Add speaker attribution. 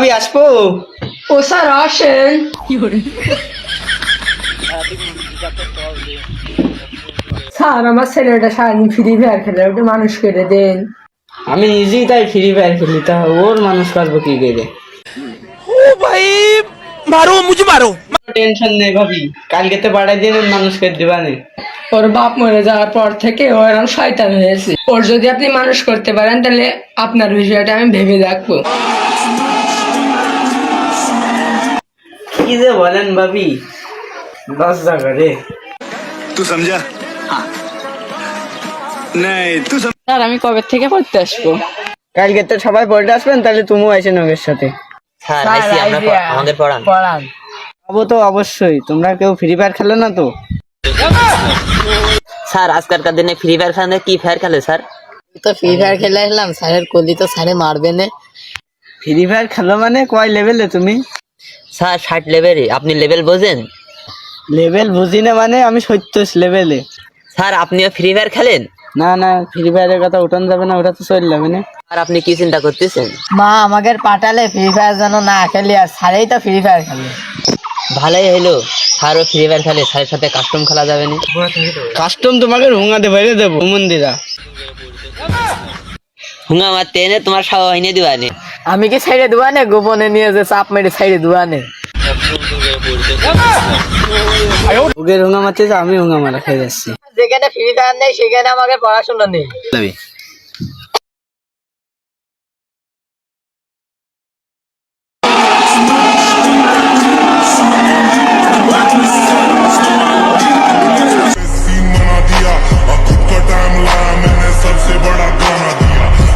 Speaker 1: ভাবি আসবো?
Speaker 2: ও স্যার আসেন। স্যার আমার ছেলেটা সারাদিন ফ্রি ফায়ার খেলে, ওটা মানুষ করে দেন।
Speaker 1: আমি নিজেই তাই ফ্রি ফায়ার খেলি, তা ওর মানুষ করবো কি করে?
Speaker 3: ओ भाई मारो मुझे मारो।
Speaker 1: টেনশন নেই ভাবি, কালকে তো বাড়াই দিন মানুষ করে দিবানে।
Speaker 2: ওর বাপ মরে যাওয়ার পর থেকে ও এরকম শয়তান হয়েছে। ওর যদি আপনি মানুষ করতে পারেন তাহলে আপনার বিষয়টা আমি ভেবে দেখবো।
Speaker 1: কি যে বলেন ভাবি, লজ্জা করে।
Speaker 3: तू समझा? हाँ नहीं तू
Speaker 2: স্যার আমি কবে থেকে পড়তে আসবো?
Speaker 1: কালকে তো সবাই পড়তে আসবেন, তাহলে তুমিও আইসেন ওদের সাথে।
Speaker 4: স্যার আইসি, আমরা আমাদের পড়ান।
Speaker 1: যাবো তো অবশ্যই, তোমরা কেউ ফ্রি ফায়ার খেলো না তো?
Speaker 4: স্যার আজকালকার দিনে ফ্রি ফায়ার খেলে কি ফায়ার খেলে স্যার?
Speaker 5: তো ফ্রি ফায়ার খেলে আসলাম, স্যারের কলি তো স্যারে মারবে না।
Speaker 1: ফ্রি ফায়ার খেলো মানে কয় লেভেলে তুমি?
Speaker 4: স্যার 60 লেভেলে। আপনি লেভেল বোঝেন?
Speaker 1: লেভেল বুঝি না মানে আমি 70 লেভেলে।
Speaker 4: স্যার আপনিও ফ্রি ফায়ার খেলেন?
Speaker 1: না না, ফ্রি ফায়ারের কথা উঠান যাবে না, ওটা তো চলে যাবে না।
Speaker 4: আর আপনি কি চিন্তা করতেছেন?
Speaker 5: মা আমাকে পাঠালে ফ্রি ফায়ার যেন না খেলি, আর স্যারেই তো ফ্রি ফায়ার খেলে।
Speaker 4: ভালোই হইলো, স্যারও ফ্রি ফায়ার খেলে, স্যারের সাথে কাস্টম খেলা যাবে না।
Speaker 1: কাস্টম তোমাকে হুঙাতে বাইরে দেবো মন্দিরা।
Speaker 4: হুঙ্গা মারতে এনে তোমার সাওয়া হইনে দিবানে।
Speaker 5: আমি কি সাইডে দুয়ানে গোপনে নিয়ে যে চাপ মেরে সাইডে দুয়ানে।
Speaker 1: ওকে হুঙা মারতে আমি হুঙা মারা খেয়ে যাচ্ছি।
Speaker 5: যেখানে ফ্রি ফায়ার নেই সেখানে আমাকে পড়াশোনা নেই।